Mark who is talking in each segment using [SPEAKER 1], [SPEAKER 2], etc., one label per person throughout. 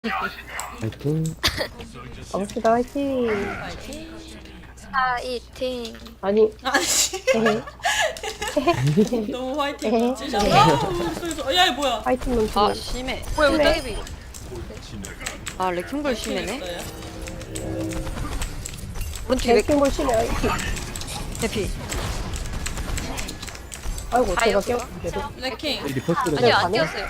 [SPEAKER 1] 파이팅.
[SPEAKER 2] 가봅시다, 화이팅.
[SPEAKER 3] 파이팅.
[SPEAKER 2] 아니,
[SPEAKER 4] 아씨
[SPEAKER 2] 헤헤.
[SPEAKER 4] 너무 화이팅
[SPEAKER 2] 에헤.
[SPEAKER 4] 멋지잖아. 야 이거 뭐야?
[SPEAKER 2] 화이팅 넘치네.
[SPEAKER 5] 아 심해.
[SPEAKER 3] 뭐야
[SPEAKER 2] 심해.
[SPEAKER 3] 우다기비.
[SPEAKER 5] 아 레킹볼 심해네.
[SPEAKER 4] 있어요?
[SPEAKER 5] 오른쪽에 레킹
[SPEAKER 2] 랭킹볼 심해, 화이팅.
[SPEAKER 5] 대피.
[SPEAKER 2] 아이고, 제가
[SPEAKER 3] 아이고.
[SPEAKER 2] 깨웠는데도.
[SPEAKER 4] 레킹
[SPEAKER 1] 리포스를
[SPEAKER 3] 아니 안
[SPEAKER 2] 가네?
[SPEAKER 3] 뛰었어요.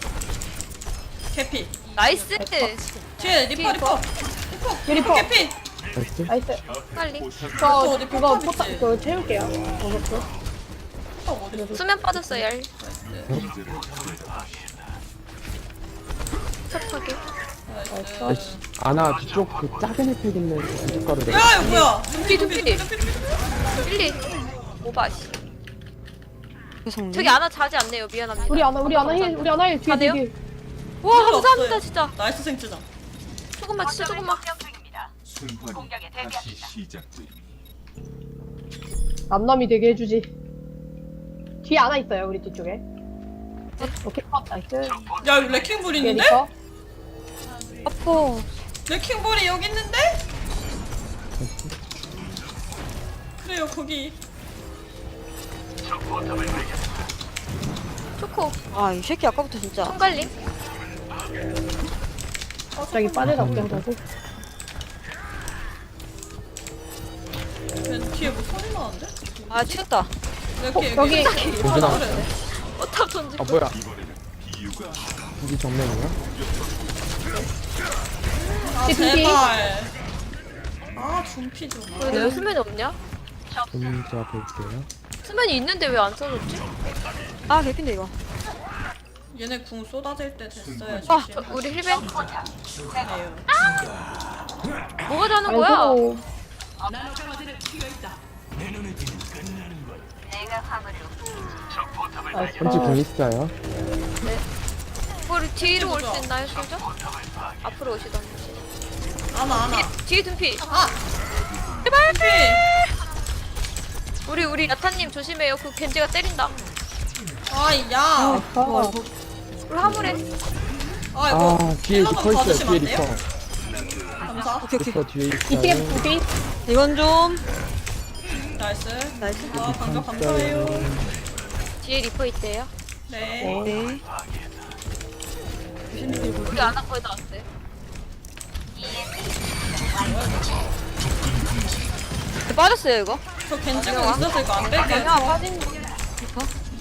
[SPEAKER 4] 개피
[SPEAKER 3] 나이스.
[SPEAKER 4] 뒤에 리퍼
[SPEAKER 2] 유리퍼.
[SPEAKER 4] 개피
[SPEAKER 1] 나이스.
[SPEAKER 2] 나이스.
[SPEAKER 3] 빨리.
[SPEAKER 2] 저,
[SPEAKER 4] 어디
[SPEAKER 2] 그거
[SPEAKER 4] 포탑
[SPEAKER 2] 포탑,
[SPEAKER 4] 있지?
[SPEAKER 2] 그거 채울게요. 버섯도.
[SPEAKER 4] 어디 있어?
[SPEAKER 3] 수면 빠졌어요. 얄. 척하게.
[SPEAKER 2] 나이스.
[SPEAKER 1] 아이씨. 아나 뒤쪽 그 작은 혜택 있는 고춧가루 내가.
[SPEAKER 4] 야 이거 뭐야?
[SPEAKER 3] 두피 두피. 1, 2. 오바시.
[SPEAKER 5] 죄송.
[SPEAKER 3] 저기 아나 자지 않네요. 미안합니다.
[SPEAKER 2] 우리 아나 힐, 우리 아나 힐, 뒤에,
[SPEAKER 3] 가네요?
[SPEAKER 2] 뒤에.
[SPEAKER 3] 와
[SPEAKER 4] 필요
[SPEAKER 3] 감사합니다
[SPEAKER 4] 없어요.
[SPEAKER 3] 진짜.
[SPEAKER 4] 나이스 생트장.
[SPEAKER 3] 조금만 진짜 조금만.
[SPEAKER 6] 순환이 다시 시작됩니다.
[SPEAKER 2] 남남이 되게 해주지. 뒤에 아나 있어요, 우리 뒤쪽에. 오케이, 나이스.
[SPEAKER 4] 야 이거 레킹볼
[SPEAKER 2] 뒤에
[SPEAKER 4] 있는데?
[SPEAKER 2] 리퍼.
[SPEAKER 5] 아퍼.
[SPEAKER 4] 레킹볼이 여기 있는데? 그래요 거기.
[SPEAKER 3] 초코.
[SPEAKER 5] 아이 새끼 아까부터 진짜.
[SPEAKER 3] 손갈림.
[SPEAKER 2] 갑자기 빠져나오게 하자고.
[SPEAKER 4] 걔 뒤에 뭐 소리 나는데?
[SPEAKER 5] 아 튀었다.
[SPEAKER 4] 레킹
[SPEAKER 2] 여기.
[SPEAKER 1] 언제 나왔어?
[SPEAKER 3] 어탑 던지.
[SPEAKER 1] 아 뭐야? 여기 정면이야?
[SPEAKER 4] 아
[SPEAKER 2] 뒤, 뒤.
[SPEAKER 4] 제발. 아 준피 좀.
[SPEAKER 3] 왜 수면이 없냐?
[SPEAKER 1] 좀 제가 볼게요.
[SPEAKER 3] 수면이 있는데 왜 안 써줬지?
[SPEAKER 5] 아 개핀데 이거.
[SPEAKER 4] 얘네 궁 쏟아질 때 됐어요.
[SPEAKER 3] 아
[SPEAKER 4] 조심.
[SPEAKER 3] 우리 힐벤.
[SPEAKER 4] 에휴.
[SPEAKER 3] 뭐가 자는 거야?
[SPEAKER 2] 아이고. 나이스.
[SPEAKER 1] 펀치 공 있어요.
[SPEAKER 3] 우리 뒤로 올 수 있나요, 솔저? 앞으로 오시던지.
[SPEAKER 4] 아나.
[SPEAKER 3] 뒤에 둔피.
[SPEAKER 4] 아
[SPEAKER 3] 제발.
[SPEAKER 4] 준피.
[SPEAKER 3] 우리 야타님 조심해요. 그 겐지가 때린다.
[SPEAKER 4] 아이 야.
[SPEAKER 2] 아,
[SPEAKER 3] 우리 화물에.
[SPEAKER 4] 아이고.
[SPEAKER 1] 아 뒤에 리퍼 있어요.
[SPEAKER 4] 봐주시면
[SPEAKER 1] 뒤에
[SPEAKER 4] 안
[SPEAKER 1] 리퍼.
[SPEAKER 4] 돼요? 감사.
[SPEAKER 5] 오케이 오케이.
[SPEAKER 1] 리퍼 뒤에
[SPEAKER 2] 이팀
[SPEAKER 1] 있어요.
[SPEAKER 2] 두비.
[SPEAKER 5] 이건 좀.
[SPEAKER 4] 나이스.
[SPEAKER 5] 나이스.
[SPEAKER 4] 아 반갑 감사해요.
[SPEAKER 3] 뒤에 리퍼 있대요.
[SPEAKER 4] 네.
[SPEAKER 5] 네.
[SPEAKER 3] 우리 아나 거의 다 왔어요.
[SPEAKER 5] 빠졌어요 이거.
[SPEAKER 4] 저 겐지고 있어서 이거 안 뺄게요.
[SPEAKER 5] 그냥 빠진 리퍼.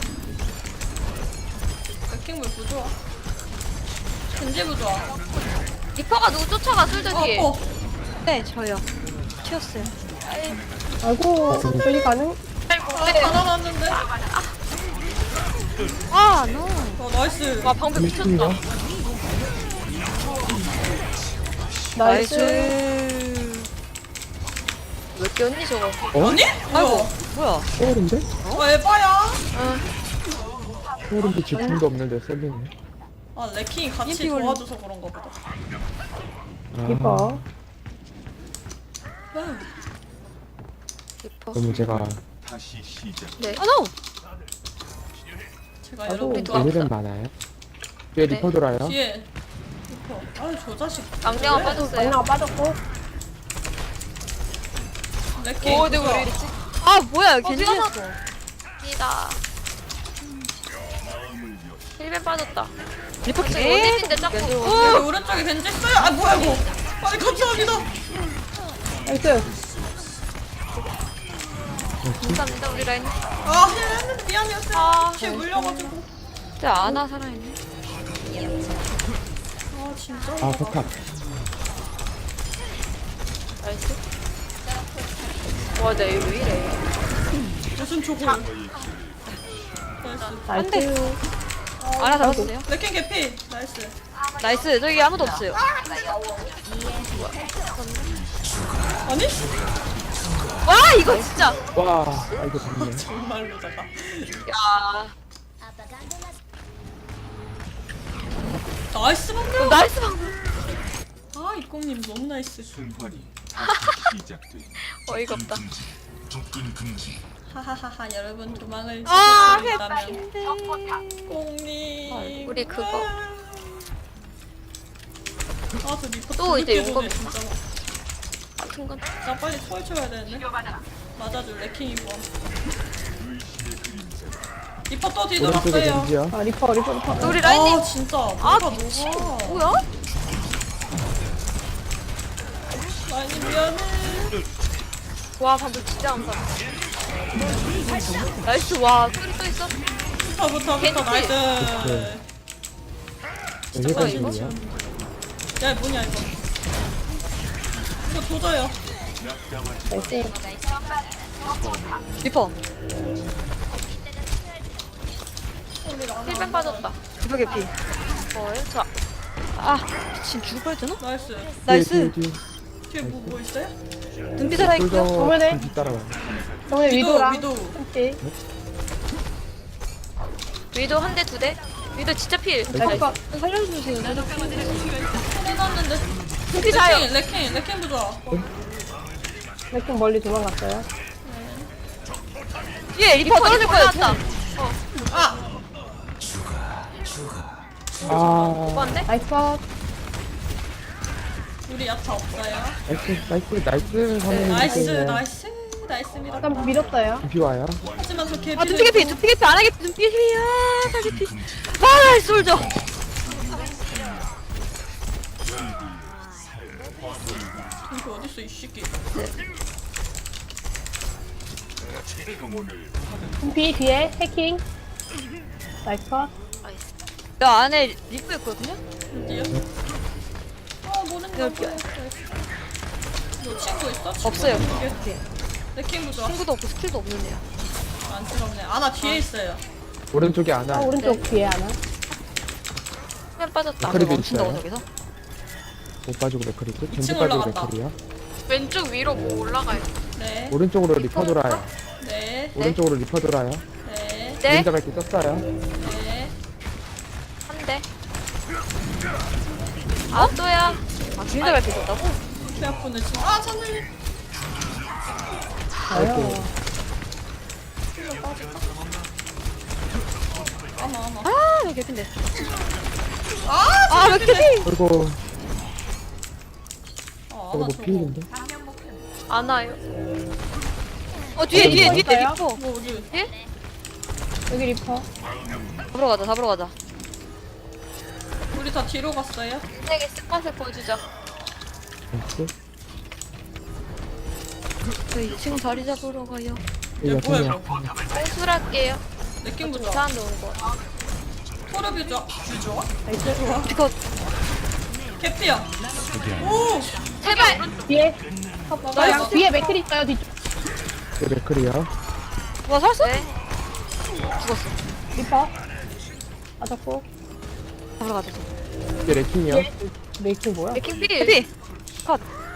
[SPEAKER 4] 레킹볼 부좋아. 겐지 부좋아.
[SPEAKER 3] 리퍼가 누구 쫓아가 솔저 뒤에.
[SPEAKER 4] 어.
[SPEAKER 5] 네 저요. 튀었어요.
[SPEAKER 2] 아이고, 저기 가능?
[SPEAKER 4] 아 가난했는데.
[SPEAKER 5] 아 노.
[SPEAKER 4] 나이스.
[SPEAKER 3] 와 방패 미쳤다.
[SPEAKER 1] 미친가?
[SPEAKER 2] 나이스.
[SPEAKER 5] 나이스.
[SPEAKER 3] 왜 꼈니 저거?
[SPEAKER 1] 어?
[SPEAKER 4] 아니?
[SPEAKER 5] 아이고 뭐야?
[SPEAKER 1] 소울인데?
[SPEAKER 4] 에바야.
[SPEAKER 1] 소울인데 질풍도 없는데 쏠리네.
[SPEAKER 4] 아 레킹이 같이
[SPEAKER 5] 인피 걸림.
[SPEAKER 4] 도와줘서 그런가 보다.
[SPEAKER 1] 아,
[SPEAKER 2] 리퍼.
[SPEAKER 3] 리퍼.
[SPEAKER 1] 그러면 제가
[SPEAKER 6] 다시 시작.
[SPEAKER 3] 네.
[SPEAKER 5] 아 노.
[SPEAKER 4] 제가
[SPEAKER 2] 아이고.
[SPEAKER 4] 여러분
[SPEAKER 3] 누가
[SPEAKER 1] 오늘은 많아요. 뒤에
[SPEAKER 3] 네.
[SPEAKER 1] 리퍼 돌아요.
[SPEAKER 4] 뒤에 리퍼. 아유 저 자식.
[SPEAKER 3] 악령아
[SPEAKER 4] 왜?
[SPEAKER 3] 빠졌어요.
[SPEAKER 2] 강나가 빠졌고.
[SPEAKER 4] 레킹.
[SPEAKER 3] 오, 내가 왜
[SPEAKER 4] 부좋아.
[SPEAKER 3] 이랬지?
[SPEAKER 5] 아 뭐야
[SPEAKER 3] 미안하다.
[SPEAKER 5] 겐지였어.
[SPEAKER 3] 니다. 힐벤 빠졌다.
[SPEAKER 5] 리퍼
[SPEAKER 3] 지금
[SPEAKER 5] 개.
[SPEAKER 3] 원딜인데 짝꿍.
[SPEAKER 4] 여기 오른쪽에 겐지 있어요. 아 뭐야 이거. 아니 감사합니다.
[SPEAKER 2] 나이스.
[SPEAKER 3] 감사합니다 우리 라인.
[SPEAKER 4] 아 했는데 미안해요.
[SPEAKER 3] 아,
[SPEAKER 4] 뒤에 물려가지고.
[SPEAKER 5] 진짜 아나 살아있네.
[SPEAKER 4] 아 진짜.
[SPEAKER 1] 아 포탑.
[SPEAKER 3] 나이스. 와, 나 이거 왜 이래?
[SPEAKER 4] 무슨 초고. 나이스.
[SPEAKER 2] 나이스.
[SPEAKER 5] 아나 잡았어요.
[SPEAKER 4] 레킹 개피. 나이스.
[SPEAKER 5] 나이스. 저기 아무도 없어요.
[SPEAKER 4] 아니?
[SPEAKER 3] 와, 이거 진짜.
[SPEAKER 1] 와, 아 이거 좋네.
[SPEAKER 4] 정말로 작아.
[SPEAKER 3] 야,
[SPEAKER 4] 나이스 방금.
[SPEAKER 3] 나이스 방금.
[SPEAKER 4] 아 이꽁님 너무 나이스.
[SPEAKER 6] 순환이 다시 시작됩니다.
[SPEAKER 3] 어이가 없다.
[SPEAKER 6] 접근 금지.
[SPEAKER 4] 하하하하 여러분 도망을
[SPEAKER 5] 아
[SPEAKER 4] 치셨다면
[SPEAKER 5] 해피인데.
[SPEAKER 4] 꽁님.
[SPEAKER 3] 우리 그거.
[SPEAKER 4] 아, 저 리퍼
[SPEAKER 3] 또 이제
[SPEAKER 4] 늦게 도네,
[SPEAKER 3] 용검.
[SPEAKER 4] 진짜.
[SPEAKER 3] 같은 건.
[SPEAKER 4] 나 빨리 초월 쳐야 되는데. 맞아줄 레킹이 뭐. 리퍼 또
[SPEAKER 1] 오른쪽에
[SPEAKER 4] 뒤돌았어요.
[SPEAKER 1] 겐지야.
[SPEAKER 2] 아 리퍼.
[SPEAKER 3] 우리 라인님.
[SPEAKER 4] 아, 진짜.
[SPEAKER 3] 아
[SPEAKER 4] 뭐가
[SPEAKER 3] 미친.
[SPEAKER 4] 녹아.
[SPEAKER 3] 뭐야?
[SPEAKER 4] 라인님 미안해.
[SPEAKER 3] 와 방금 진짜 안 봤어. 나이스 와 소리 또 있어.
[SPEAKER 4] 부터
[SPEAKER 3] 겐지.
[SPEAKER 4] 나이스.
[SPEAKER 1] 네. 여기까지야.
[SPEAKER 4] 야, 뭐냐 이거. 이거 도저요.
[SPEAKER 2] 나이스.
[SPEAKER 5] 리퍼.
[SPEAKER 3] 힐벤 빠졌다.
[SPEAKER 5] 리퍼 개피.
[SPEAKER 3] 뭐예요? 저
[SPEAKER 5] 아 미친 죽을 뻔했잖아.
[SPEAKER 4] 나이스.
[SPEAKER 5] 나이스.
[SPEAKER 4] 뒤에 뭐 있어요?
[SPEAKER 5] 눈빛 살아있고요.
[SPEAKER 2] 정면에.
[SPEAKER 1] 따라와.
[SPEAKER 2] 정면에 위도랑
[SPEAKER 4] 위도.
[SPEAKER 2] 함께.
[SPEAKER 3] 위도 한 대 두 대. 위도 진짜 필.
[SPEAKER 2] 나이스.
[SPEAKER 5] 살려주세요.
[SPEAKER 4] 해놨는데.
[SPEAKER 3] 눈빛 사요.
[SPEAKER 4] 레킹 부좋아.
[SPEAKER 2] 레킹 멀리 도망갔어요.
[SPEAKER 5] 뒤에 리퍼 떨어질 거야.
[SPEAKER 3] 나왔다.
[SPEAKER 4] 아!
[SPEAKER 1] 아,
[SPEAKER 3] 오빠인데?
[SPEAKER 2] 나이스 컷.
[SPEAKER 4] 우리 야타 없어요.
[SPEAKER 1] 나이스 하면
[SPEAKER 4] 나이스입니다.
[SPEAKER 2] 일단 밀었어요.
[SPEAKER 1] 비 와요.
[SPEAKER 4] 하지만 저 개피.
[SPEAKER 5] 아 눈빛 개피. 눈빛 개피 안 하겠지. 눈빛 개피야. 살 개피. 아 나이스 솔져.
[SPEAKER 4] 이게 어딨어 이 새끼.
[SPEAKER 2] 금피 뒤에 해킹. 나이스 컷.
[SPEAKER 5] 여 안에 리프 있거든요.
[SPEAKER 4] 어디요? 아, 모는 거
[SPEAKER 5] 여기요.
[SPEAKER 4] 뭐야. 너 친구 있어? 친구
[SPEAKER 5] 없어요.
[SPEAKER 4] 있겠지? 레킹 부좋아.
[SPEAKER 5] 친구도 없고 스킬도 없는 애야.
[SPEAKER 4] 안쓰럽네. 아, 나 뒤에 있어요.
[SPEAKER 1] 오른쪽에 안
[SPEAKER 2] 아
[SPEAKER 1] 와.
[SPEAKER 2] 오른쪽 뒤에 하나.
[SPEAKER 3] 힐벤 빠졌다.
[SPEAKER 1] 그래도
[SPEAKER 5] 멈춘다고
[SPEAKER 1] 있어요.
[SPEAKER 5] 저기서.
[SPEAKER 1] 못 빠지고 맥크리고 겐지
[SPEAKER 4] 이층
[SPEAKER 1] 빠지고
[SPEAKER 4] 올라갔다.
[SPEAKER 1] 맥크리야.
[SPEAKER 3] 왼쪽 위로 뭐 올라가요.
[SPEAKER 4] 네.
[SPEAKER 1] 오른쪽으로 리퍼 돌아요.
[SPEAKER 4] 네.
[SPEAKER 1] 오른쪽으로 리퍼 돌아요.
[SPEAKER 4] 네.
[SPEAKER 3] 네.
[SPEAKER 1] 그림자 밝기 썼어요.
[SPEAKER 4] 네.
[SPEAKER 3] 한 대. 아 또야.
[SPEAKER 5] 아 그림자 발표 줬다고?
[SPEAKER 4] 배 아프네 지금. 아, 찬늘.
[SPEAKER 2] 아유.
[SPEAKER 4] 아마.
[SPEAKER 5] 아 여기 개피인데.
[SPEAKER 4] 아,
[SPEAKER 5] 아왜 개피?
[SPEAKER 1] 그리고
[SPEAKER 4] 아,
[SPEAKER 1] 저거
[SPEAKER 4] 나
[SPEAKER 1] 뭐
[SPEAKER 4] 저거.
[SPEAKER 1] 피일인데?
[SPEAKER 3] 안 와요.
[SPEAKER 5] 어 뒤에
[SPEAKER 2] 어디
[SPEAKER 5] 리퍼.
[SPEAKER 4] 뭐 우리
[SPEAKER 2] 여기 리퍼.
[SPEAKER 5] 잡으러 가자.
[SPEAKER 4] 우리 다 뒤로 갔어요?
[SPEAKER 3] 세게 습관색 보여주자.
[SPEAKER 1] 나이스.
[SPEAKER 5] 저희 2층 자리 잡으러 가요.
[SPEAKER 4] 야,
[SPEAKER 1] 여기
[SPEAKER 4] 뭐야
[SPEAKER 1] 야생이야.
[SPEAKER 4] 이거?
[SPEAKER 3] 뺀술할게요.
[SPEAKER 4] 레킹 부좋아.
[SPEAKER 3] 이상한 데 오는 거 같아.
[SPEAKER 4] 토르비 좋아. 부좋아?
[SPEAKER 2] 나이스.
[SPEAKER 4] 좋아.
[SPEAKER 5] 리퍼
[SPEAKER 4] 개피야. 오!
[SPEAKER 3] 제발.
[SPEAKER 2] 뒤에.
[SPEAKER 4] 나이스.
[SPEAKER 2] 뒤에 맥크리 있어요 뒤쪽.
[SPEAKER 1] 여기 맥크리야.
[SPEAKER 5] 와 살았어?
[SPEAKER 3] 네.
[SPEAKER 5] 죽었어.
[SPEAKER 2] 리퍼. 맞았고.
[SPEAKER 5] 잡으러 가자.
[SPEAKER 1] 이게 레킹이야.
[SPEAKER 2] 뒤에 맥크리 뭐야?
[SPEAKER 3] 레킹 필.
[SPEAKER 5] 개피. 컷.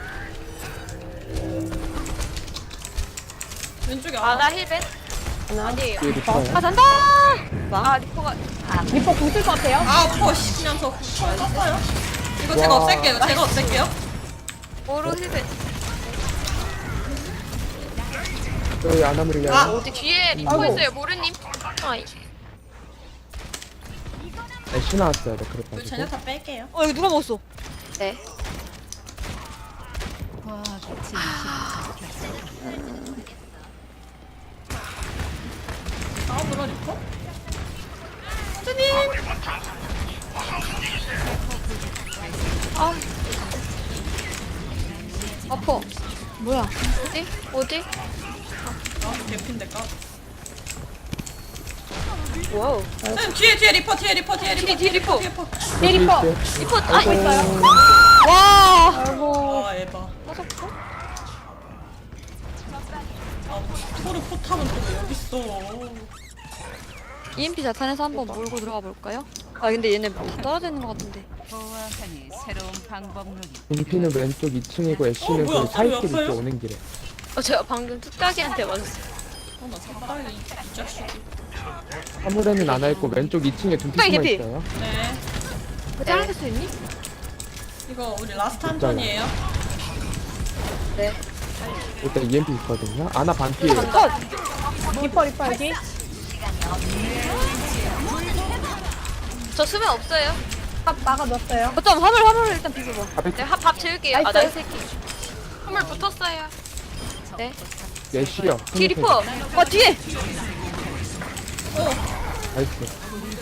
[SPEAKER 4] 왼쪽에
[SPEAKER 3] 아나 힐벤.
[SPEAKER 2] 하나.
[SPEAKER 3] 아니에요.
[SPEAKER 1] 이게 리퍼야.
[SPEAKER 5] 아 잔다.
[SPEAKER 3] 아 리퍼가.
[SPEAKER 2] 리퍼 궁쓸 것 같아요.
[SPEAKER 4] 아, 퍼시 그냥 저 처음 떴어요. 이거 제가
[SPEAKER 1] 와.
[SPEAKER 4] 없앨게요. 제가 없앨게요.
[SPEAKER 3] 오로 힐벤.
[SPEAKER 1] 저희 아나무리야.
[SPEAKER 4] 아.
[SPEAKER 3] 어디 뒤에 리퍼
[SPEAKER 2] 아이고.
[SPEAKER 3] 있어요 모르님. 아이.
[SPEAKER 1] 애쉬 나왔어요. 맥크리
[SPEAKER 4] 우리
[SPEAKER 1] 빠지고.
[SPEAKER 4] 제냐타 뺄게요.
[SPEAKER 5] 어 이거 누가 먹었어?
[SPEAKER 3] 네.
[SPEAKER 4] 다음으로 리퍼?
[SPEAKER 3] 아퍼.
[SPEAKER 5] 뭐야?
[SPEAKER 3] 어디?
[SPEAKER 4] 아, 개핀데 까.
[SPEAKER 3] 와우.
[SPEAKER 4] 쌤, 뒤에 리퍼. 뒤에 리퍼.
[SPEAKER 3] 뒤에 리퍼.
[SPEAKER 2] 뒤에 리퍼.
[SPEAKER 3] 리퍼. 아
[SPEAKER 2] 있어요.
[SPEAKER 5] 와.
[SPEAKER 2] 아이고.
[SPEAKER 4] 아, 에바. 아, 토르 포탑은 또 왜 여기 있어?
[SPEAKER 5] EMP 자탄에서 한번 몰고 들어가 볼까요? 아 근데 얘네 뭐 떨어져 있는 것 같은데.
[SPEAKER 7] 보아하니 새로운 방법론이
[SPEAKER 1] 인피는 왼쪽 2층이고 애쉬는
[SPEAKER 4] 뭐야,
[SPEAKER 1] 그 사이길
[SPEAKER 4] 소리
[SPEAKER 1] 있죠.
[SPEAKER 4] 없어요?
[SPEAKER 1] 오는 길에.
[SPEAKER 3] 제가 방금 뚝딱이한테 맞았어요.
[SPEAKER 4] 나 사다리 이 자식이.
[SPEAKER 1] 화물에는 안 와있고 왼쪽 2층에 둔피
[SPEAKER 5] 빨리
[SPEAKER 1] 숨어
[SPEAKER 5] 개피.
[SPEAKER 1] 있어요.
[SPEAKER 4] 네.
[SPEAKER 5] 잘라줄 수 있니?
[SPEAKER 4] 이거 우리 라스트 한 턴이에요.
[SPEAKER 1] 일단 EMP 있거든요. 아나 반피.
[SPEAKER 5] 컷.
[SPEAKER 2] 리퍼 여기.
[SPEAKER 3] 저 수면 없어요.
[SPEAKER 2] 막아줬어요.
[SPEAKER 5] 어쩜 화물 일단 비벼봐.
[SPEAKER 3] 내가 밥 재울게요.
[SPEAKER 2] 나이스.
[SPEAKER 3] 아, 나이 새끼. 화물 붙었어요.
[SPEAKER 5] 네.
[SPEAKER 1] 예시요.
[SPEAKER 5] 뒤 리퍼. 뒤에.
[SPEAKER 1] 나이스.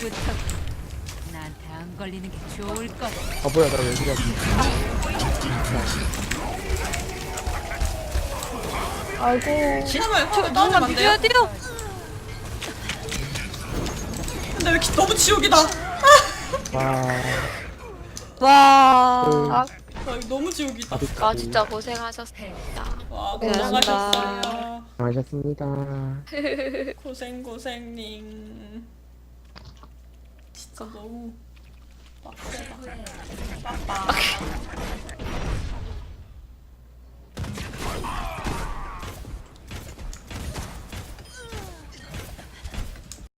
[SPEAKER 7] 나한테 안 걸리는 게 좋을 거야.
[SPEAKER 1] 아 뭐야 나 왜 그래?
[SPEAKER 2] 아이고.
[SPEAKER 4] 화물 따오면 안 돼요?
[SPEAKER 5] 뛰어.
[SPEAKER 4] 근데 왜 이렇게 너무 지옥이다.
[SPEAKER 1] 와.
[SPEAKER 5] 와.
[SPEAKER 2] 아,
[SPEAKER 4] 와 이거 너무 지옥이다.
[SPEAKER 3] 아, 진짜 고생하셨습니다.
[SPEAKER 4] 와
[SPEAKER 5] 고생하셨습니다.
[SPEAKER 4] 고생하셨어요.
[SPEAKER 1] 수고하셨습니다.
[SPEAKER 4] 고생님. 진짜 너무 빡세다. 빡빡.